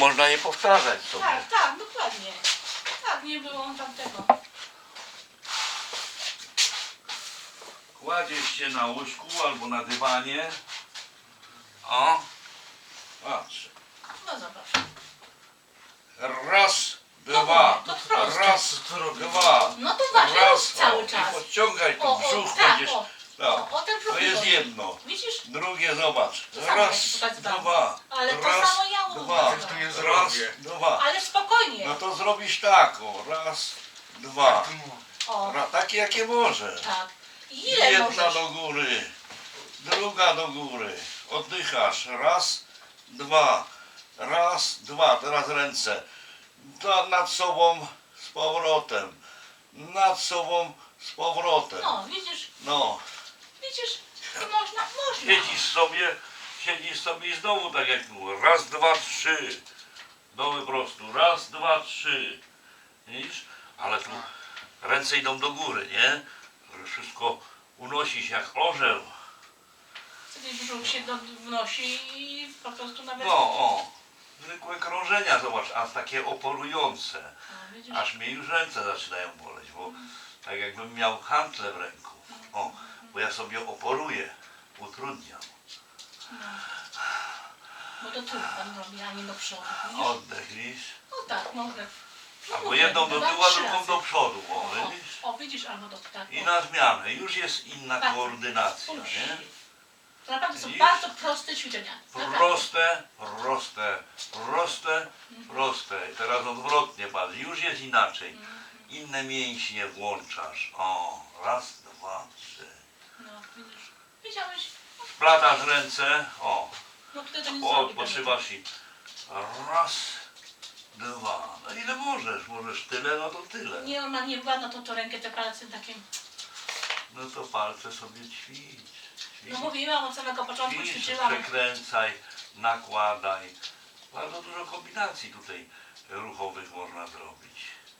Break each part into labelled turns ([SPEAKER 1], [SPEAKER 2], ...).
[SPEAKER 1] można je powtarzać sobie.
[SPEAKER 2] Tak, tak, dokładnie. Tak, nie było tamtego.
[SPEAKER 1] Kładziesz się na łóżku albo na dywanie. O, patrz.
[SPEAKER 2] No zobacz.
[SPEAKER 1] Raz,
[SPEAKER 2] No
[SPEAKER 1] dwa,
[SPEAKER 2] to proste.
[SPEAKER 1] raz, dwa.
[SPEAKER 2] No to właśnie
[SPEAKER 1] Raz,
[SPEAKER 2] rób cały
[SPEAKER 1] o,
[SPEAKER 2] czas.
[SPEAKER 1] i podciągaj tu brzuch,
[SPEAKER 2] tak,
[SPEAKER 1] będziesz.
[SPEAKER 2] o,
[SPEAKER 1] Tak.
[SPEAKER 2] o ten brzuch
[SPEAKER 1] To jest
[SPEAKER 2] wychodzi.
[SPEAKER 1] jedno.
[SPEAKER 2] Widzisz?
[SPEAKER 1] Drugie, zobacz.
[SPEAKER 2] To samo
[SPEAKER 1] Raz,
[SPEAKER 2] ci pokazywałam.
[SPEAKER 1] dwa.
[SPEAKER 2] Ale to
[SPEAKER 1] raz,
[SPEAKER 2] samo ja
[SPEAKER 1] dwa.
[SPEAKER 2] mówię.
[SPEAKER 3] To nie
[SPEAKER 1] Raz,
[SPEAKER 3] zrobię.
[SPEAKER 1] dwa.
[SPEAKER 2] Ale spokojnie.
[SPEAKER 1] No to zrobisz tak, o. Raz, dwa.
[SPEAKER 2] O,
[SPEAKER 1] Takie jakie możesz.
[SPEAKER 2] tak. I ile
[SPEAKER 1] Jedna
[SPEAKER 2] możesz?
[SPEAKER 1] do góry, druga do góry. Oddychasz. Raz, dwa. Raz, dwa. Teraz ręce. Nad sobą z powrotem. Nad sobą z powrotem.
[SPEAKER 2] No, widzisz?
[SPEAKER 1] No.
[SPEAKER 2] Widzisz? I można.
[SPEAKER 1] Siedzisz sobie i znowu tak jak było. Raz, dwa, trzy. Do wyprostu. Raz, dwa, trzy. Widzisz? Ale tu ręce idą do góry, nie? Wszystko unosi się jak orzeł.
[SPEAKER 2] Wtedy brzuch się wnosi i po prostu nawet...
[SPEAKER 1] No, o. Zwykłe krążenia, zobacz, a takie oporujące.
[SPEAKER 2] No, widzisz?
[SPEAKER 1] Aż mnie już ręce zaczynają boleć, bo tak jakbym miał hantle w ręku. O, bo ja sobie oporuję, utrudniam.
[SPEAKER 2] No. Bo to tył pan robi, a nie do przodu. Widzisz?
[SPEAKER 1] Oddech, widzisz?
[SPEAKER 2] No tak, mogę. No
[SPEAKER 1] Albo
[SPEAKER 2] mówię,
[SPEAKER 1] jedną do
[SPEAKER 2] dwa,
[SPEAKER 1] tyłu, a
[SPEAKER 2] trzy
[SPEAKER 1] drugą
[SPEAKER 2] razy.
[SPEAKER 1] do przodu, o,
[SPEAKER 2] O,
[SPEAKER 1] widzisz?
[SPEAKER 2] o, widzisz, albo do tak.
[SPEAKER 1] I
[SPEAKER 2] o.
[SPEAKER 1] na zmianę. Już jest inna
[SPEAKER 2] Bardzo.
[SPEAKER 1] koordynacja,
[SPEAKER 2] Spójrz.
[SPEAKER 1] nie?
[SPEAKER 2] To naprawdę są
[SPEAKER 1] Widzisz?
[SPEAKER 2] bardzo proste ćwiczenia. Naprawdę.
[SPEAKER 1] Proste, proste, proste, proste. I teraz odwrotnie patrz, już jest inaczej. Inne mięśnie włączasz. O, raz, dwa, trzy.
[SPEAKER 2] No, widzisz. Widziałeś?
[SPEAKER 1] Splatasz ręce, o,
[SPEAKER 2] No tutaj to nie zrobi.
[SPEAKER 1] odpoczywasz i raz, dwa. No ile możesz? Możesz tyle, no to tyle.
[SPEAKER 2] Nie, on ma nie ładno to rękę, te palce takie.
[SPEAKER 1] No to palce sobie ćwicz.
[SPEAKER 2] No mówiłam od samego początku,
[SPEAKER 1] Ćwicz,
[SPEAKER 2] ćwiczyłam.
[SPEAKER 1] przekręcaj, nakładaj. Bardzo dużo kombinacji tutaj ruchowych można zrobić.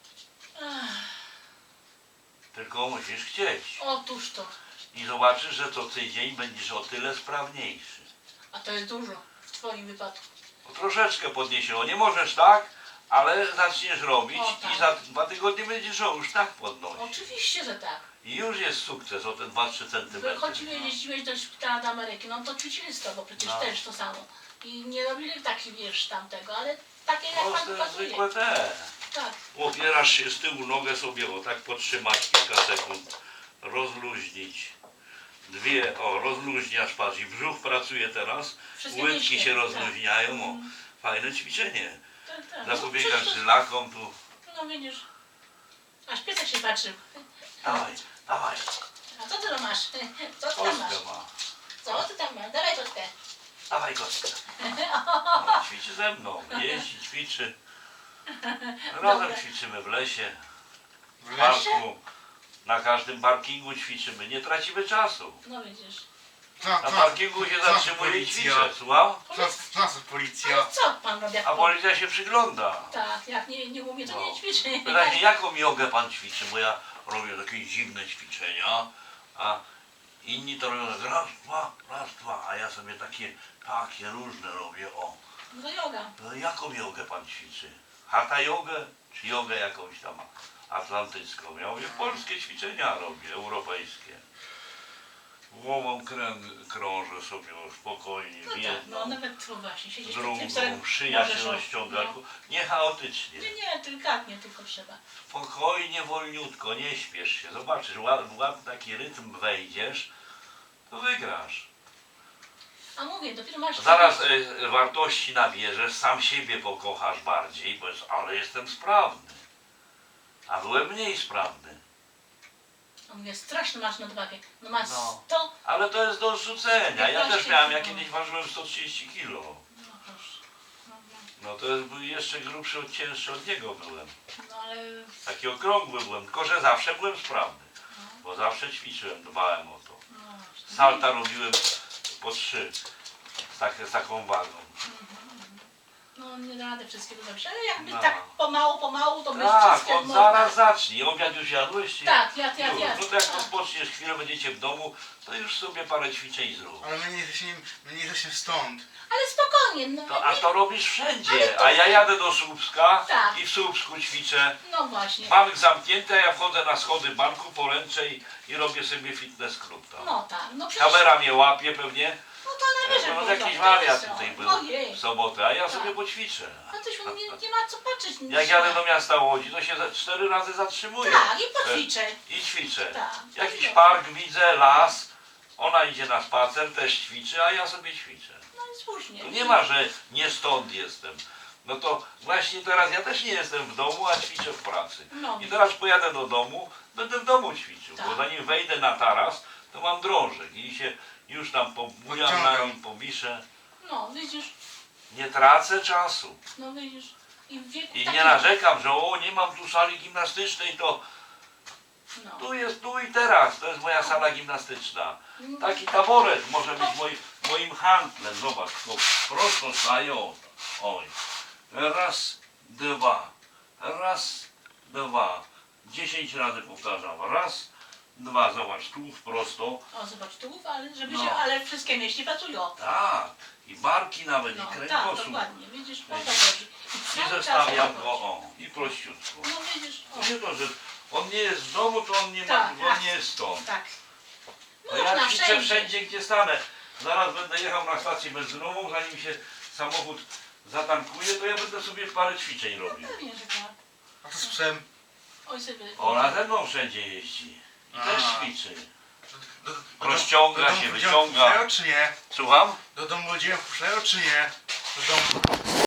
[SPEAKER 1] Tylko musisz chcieć.
[SPEAKER 2] Otóż to.
[SPEAKER 1] I zobaczysz, że co tydzień będziesz o tyle sprawniejszy.
[SPEAKER 2] A to jest dużo w twoim wypadku.
[SPEAKER 1] O, troszeczkę podniesiło. Nie możesz tak, ale zaczniesz robić
[SPEAKER 2] O, tak.
[SPEAKER 1] i za 2 tygodnie będziesz już tak podnosić.
[SPEAKER 2] Oczywiście, że tak.
[SPEAKER 1] I już jest sukces o te 2-3 centymetry.
[SPEAKER 2] Wychodziłeś, jeździłeś do szpitala do Ameryki, no to ćwiczyli z tobą przecież
[SPEAKER 1] No.
[SPEAKER 2] też to samo. I nie robili takich, wiesz, tamtego, ale takie jak pan
[SPEAKER 1] Proste,
[SPEAKER 2] pokazuje.
[SPEAKER 1] zwykłe te.
[SPEAKER 2] Tak.
[SPEAKER 1] Opierasz się z tyłu, nogę sobie o tak podtrzymać kilka sekund. Rozluźnić. Dwie, o, rozluźniasz, patrz, i brzuch pracuje teraz.
[SPEAKER 2] Wszystkie
[SPEAKER 1] Łydki
[SPEAKER 2] mięśnie,
[SPEAKER 1] się
[SPEAKER 2] tak.
[SPEAKER 1] rozluźniają. O, fajne ćwiczenie.
[SPEAKER 2] Tak, tak.
[SPEAKER 1] Zapobiegasz
[SPEAKER 2] przecież to-
[SPEAKER 1] żylakom tu.
[SPEAKER 2] No widzisz. Aż piesek się patrzył.
[SPEAKER 1] Dawaj, dawaj.
[SPEAKER 2] A co ty tam masz? Co ty tam masz?
[SPEAKER 1] Kostkę ma.
[SPEAKER 2] Co ty tam masz? Dawaj kostkę.
[SPEAKER 1] Dawaj kostkę. No, ćwiczy ze mną. Jeździ, ćwiczy. Razem
[SPEAKER 2] Dobra.
[SPEAKER 1] ćwiczymy w lesie, w
[SPEAKER 3] W
[SPEAKER 1] parku. Na każdym parkingu ćwiczymy. Nie tracimy czasu.
[SPEAKER 2] No widzisz.
[SPEAKER 1] Na parkingu się zatrzymuje i ćwiczę. Słucham?
[SPEAKER 3] Co policja?
[SPEAKER 2] Ale co pan robi? Jak
[SPEAKER 1] A policja się przygląda.
[SPEAKER 2] Tak, jak nie umie, to
[SPEAKER 1] No.
[SPEAKER 2] nie ćwiczy.
[SPEAKER 1] Pyta się, jaką jogę pan ćwiczy, bo ja robię takie dziwne ćwiczenia, a inni to robią tak raz, dwa, a ja sobie takie różne robię, o.
[SPEAKER 2] No to yoga.
[SPEAKER 1] No jaką jogę pan ćwiczy? Hatha jogę, czy jogę jakąś tam atlantycką? Ja mówię, polskie ćwiczenia robię, europejskie. Głową krążę sobie spokojnie,
[SPEAKER 2] No
[SPEAKER 1] w
[SPEAKER 2] tak,
[SPEAKER 1] jedną,
[SPEAKER 2] no nawet tu właśnie siedzieć
[SPEAKER 1] drugą, szyja się rozciąga, nie chaotycznie.
[SPEAKER 2] Nie, delikatnie tylko trzeba.
[SPEAKER 1] Spokojnie, wolniutko, nie śpiesz się. Zobaczysz, w ładny taki rytm wejdziesz, to wygrasz.
[SPEAKER 2] A mówię, dopiero masz...
[SPEAKER 1] Zaraz wartości nabierzesz, sam siebie pokochasz bardziej, powiesz, ale jestem sprawny. A byłem mniej sprawny.
[SPEAKER 2] A mówię, strasznie masz nadwagę. No masz
[SPEAKER 1] No.
[SPEAKER 2] 100...
[SPEAKER 1] Ale to jest do zrzucenia. Ja
[SPEAKER 2] 15
[SPEAKER 1] też miałem, ja
[SPEAKER 2] kilo.
[SPEAKER 1] kiedyś ważyłem 130 kilo.
[SPEAKER 2] No proszę.
[SPEAKER 1] No to jest, był jeszcze grubszy, cięższy od niego byłem.
[SPEAKER 2] No ale...
[SPEAKER 1] Taki okrągły byłem, tylko że zawsze byłem sprawny. Bo zawsze ćwiczyłem, dbałem o to.
[SPEAKER 2] No właśnie.
[SPEAKER 1] Salta robiłem po 3 z taką wagą.
[SPEAKER 2] No No nie da rady wszystkiego zrobić, ale jakby
[SPEAKER 1] No.
[SPEAKER 2] tak pomału, to by
[SPEAKER 1] Tak,
[SPEAKER 2] wszystkie
[SPEAKER 1] od zaraz zacznij. Obiad już jadłeś? Czy?
[SPEAKER 2] Tak, ja.
[SPEAKER 1] Już. No to jak
[SPEAKER 2] Tak.
[SPEAKER 1] rozpoczniesz chwilę, będziecie w domu, to już sobie parę ćwiczeń zrób.
[SPEAKER 3] Ale my nie jesteśmy stąd.
[SPEAKER 2] Ale spokojnie, no,
[SPEAKER 1] A to robisz wszędzie.
[SPEAKER 2] Ale to-
[SPEAKER 1] A ja jadę do Słupska
[SPEAKER 2] Tak.
[SPEAKER 1] i w Słupsku ćwiczę.
[SPEAKER 2] no właśnie.
[SPEAKER 1] Bank zamknięty, a ja wchodzę na schody banku, poręczę i robię sobie fitness klub tam.
[SPEAKER 2] No tak, no przecież,
[SPEAKER 1] Kamera mnie łapie pewnie.
[SPEAKER 2] no to najwyżej
[SPEAKER 1] No
[SPEAKER 2] było
[SPEAKER 1] jakiś
[SPEAKER 2] to,
[SPEAKER 1] wariat
[SPEAKER 2] to jest
[SPEAKER 1] tutaj
[SPEAKER 2] to.
[SPEAKER 1] był
[SPEAKER 2] Ojej,
[SPEAKER 1] w sobotę, a ja
[SPEAKER 2] Tak.
[SPEAKER 1] sobie poćwiczę.
[SPEAKER 2] a coś nie ma co patrzeć.
[SPEAKER 1] Jak jadę do miasta Łodzi, to się 4 razy zatrzymuję.
[SPEAKER 2] Tak, i poćwiczę.
[SPEAKER 1] I ćwiczę.
[SPEAKER 2] Tak.
[SPEAKER 1] Jakiś
[SPEAKER 2] Dobrze.
[SPEAKER 1] park widzę, las, ona idzie na spacer, też ćwiczy, a ja sobie ćwiczę.
[SPEAKER 2] No i słusznie.
[SPEAKER 1] Tu nie ma, że nie stąd jestem. No to właśnie teraz ja też nie jestem w domu, a ćwiczę w pracy.
[SPEAKER 2] No.
[SPEAKER 1] I teraz pojadę do domu, będę w domu ćwiczył, bo
[SPEAKER 2] Tak.
[SPEAKER 1] zanim wejdę na taras, to mam drążek i się już tam pobujam na
[SPEAKER 3] Podciągam.
[SPEAKER 1] nim, powiszę.
[SPEAKER 2] No widzisz,
[SPEAKER 1] Nie tracę czasu.
[SPEAKER 2] no widzisz. I w wieku
[SPEAKER 1] I
[SPEAKER 2] takim-
[SPEAKER 1] nie narzekam, że o, nie mam tu sali gimnastycznej, to
[SPEAKER 2] No.
[SPEAKER 1] tu jest tu i teraz, to jest moja sala gimnastyczna.
[SPEAKER 2] No.
[SPEAKER 1] Taki taboret może być moim handlem, zobacz, to prosto stają. Oj, raz, dwa, 10 razy powtarzam, raz, dwa, zobacz, tu prosto,
[SPEAKER 2] O, zobacz tu, ale żeby
[SPEAKER 1] No.
[SPEAKER 2] się, ale wszystkie mięśnie pracują.
[SPEAKER 1] tak, i barki nawet,
[SPEAKER 2] No
[SPEAKER 1] i
[SPEAKER 2] tak,
[SPEAKER 1] kręgosłup.
[SPEAKER 2] dokładnie, widzisz, o to chodzi.
[SPEAKER 1] I
[SPEAKER 2] cały czas
[SPEAKER 1] zestawiam
[SPEAKER 2] o to
[SPEAKER 1] go,
[SPEAKER 2] chodzi.
[SPEAKER 1] o, i prościutko.
[SPEAKER 2] No widzisz, o,
[SPEAKER 1] To nie to, że on nie jest w domu, to on nie ma,
[SPEAKER 2] Tak,
[SPEAKER 1] bo on
[SPEAKER 2] tak.
[SPEAKER 1] nie jest stąd.
[SPEAKER 2] tak.
[SPEAKER 1] To
[SPEAKER 2] Można
[SPEAKER 1] ja ćwiczę wszędzie, gdzie stanę. Zaraz będę jechał na stację benzynową, zanim się samochód zatankuje, to ja będę sobie parę ćwiczeń robił.
[SPEAKER 2] Pewnie, że tak.
[SPEAKER 3] A co z psem?
[SPEAKER 2] Oj sobie.
[SPEAKER 1] Ona ze mną wszędzie jeździ i też
[SPEAKER 3] A.
[SPEAKER 1] ćwiczy.
[SPEAKER 3] Do
[SPEAKER 1] Rozciąga
[SPEAKER 3] domu
[SPEAKER 1] się,
[SPEAKER 3] ludziom
[SPEAKER 1] wyciąga.
[SPEAKER 3] wpuszczają, czy nie?
[SPEAKER 1] Słucham?
[SPEAKER 3] Do domu ludzie wpuszczają, czy nie? Do domu.